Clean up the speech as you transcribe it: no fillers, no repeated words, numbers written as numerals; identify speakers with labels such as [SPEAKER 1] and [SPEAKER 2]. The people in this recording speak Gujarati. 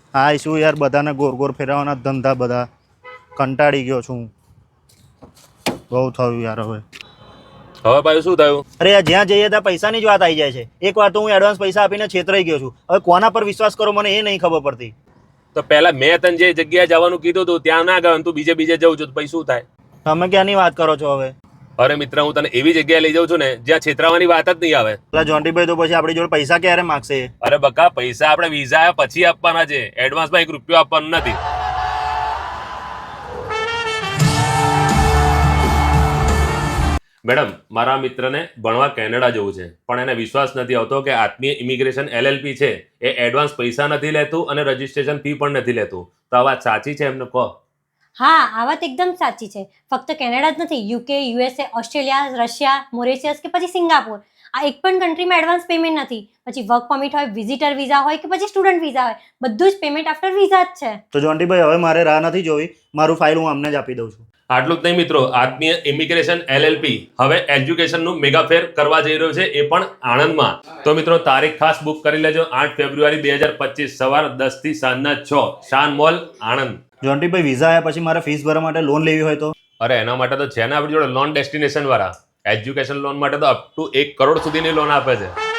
[SPEAKER 1] હા શું યાર, બધાને ગોર ગોર ફેરવવાના ધંધા, બધા કંટાળી ગયો છું. બહુ થયું યાર હવે.
[SPEAKER 2] હવે ભાઈ શું થયું?
[SPEAKER 1] અરે યાર, જ્યાં જઈએ ત્યાં પૈસાની જ વાત આવી જાય છે. એક વાર તો હું એડવાન્સ પૈસા આપીને છેતરાઈ ગયો છું. હવે કોના પર વિશ્વાસ કરો મને એ નહીં ખબર પડતી.
[SPEAKER 2] તો પહેલા મેં તને જે જગ્યાએ જવાનું કીધું હતું ત્યાં ના ગયો, તું બીજે જવું છું તો પછી શું થાય?
[SPEAKER 1] તમે ક્યાંની વાત કરો છો હવે?
[SPEAKER 2] અરે મિત્ર, હું તને એવી જગ્યાએ લઈ જાઉં છું ને જ્યાં છેતરાવાની વાત જ નહીં આવે.
[SPEAKER 1] પેલા જોન્ટીભાઈ તો પછી આપણી જોડે પૈસા ક્યારે માગશે?
[SPEAKER 2] અરે બકા, પૈસા આપણે વિઝા આવ્યા પછી આપવાના છે, એડવાન્સમાં 1 રૂપિયો આપવાનો નથી. મેડમ, મારા મિત્રને ભણવા કેનેડા જવું છે, પણ એને વિશ્વાસ નથી આવતો કે આત્મીય ઇમિગ્રેશન LLP છે એ એડવાન્સ પૈસા નથી લેતું અને રજીસ્ટ્રેશન ફી પણ નથી લેતું. તો આ વાત સાચી છે? એમને કહો.
[SPEAKER 3] હા, આ વાત એકદમ સાચી છે. ફક્ત કેનેડા જ નથી, UK, USA, Australia, Russia, Mauritius કે પછી સિંગાપોર, આ એક પણ કન્ટ્રીમાં એડવાન્સ પેમેન્ટ નથી. પછી વર્ક પરમિટ હોય, વિઝિટર વિઝા હોય કે પછી સ્ટુડન્ટ વિઝા હોય, બધું જ પેમેન્ટ આફ્ટર વિઝા જ છે.
[SPEAKER 1] તો જોન્ટીભાઈ હવે મારે રાહ નથી જોવી, મારું ફાઇલ હું અમને જ આપી દઉં છું.
[SPEAKER 2] આટલું જ નહીં મિત્રો, આત્મીય ઇમિગ્રેશન LLP હવે એજ્યુકેશનનું મેગા ફેર કરવા જઈ રહ્યો છે, એ પણ આણંદમાં. તો મિત્રો તારીખ ખાસ બુક કરી લેજો, 8 ફેબ્રુઆરી 2025 સવાર 10 થી સાંજના 6, શાન મોલ, આણંદ.
[SPEAKER 1] જોન્ટીભાઈ, વિઝા આવ્યા પછી મારે ફીસ ભરવા માટે લોન લેવી હોય તો?
[SPEAKER 2] અરે એના માટે તો છે ને આપણી જોડે લોન ડેસ્ટિનેશન વાળા. એજ્યુકેશન લોન માટે તો અપ ટુ 1 કરોડ સુધીની લોન આપે છે.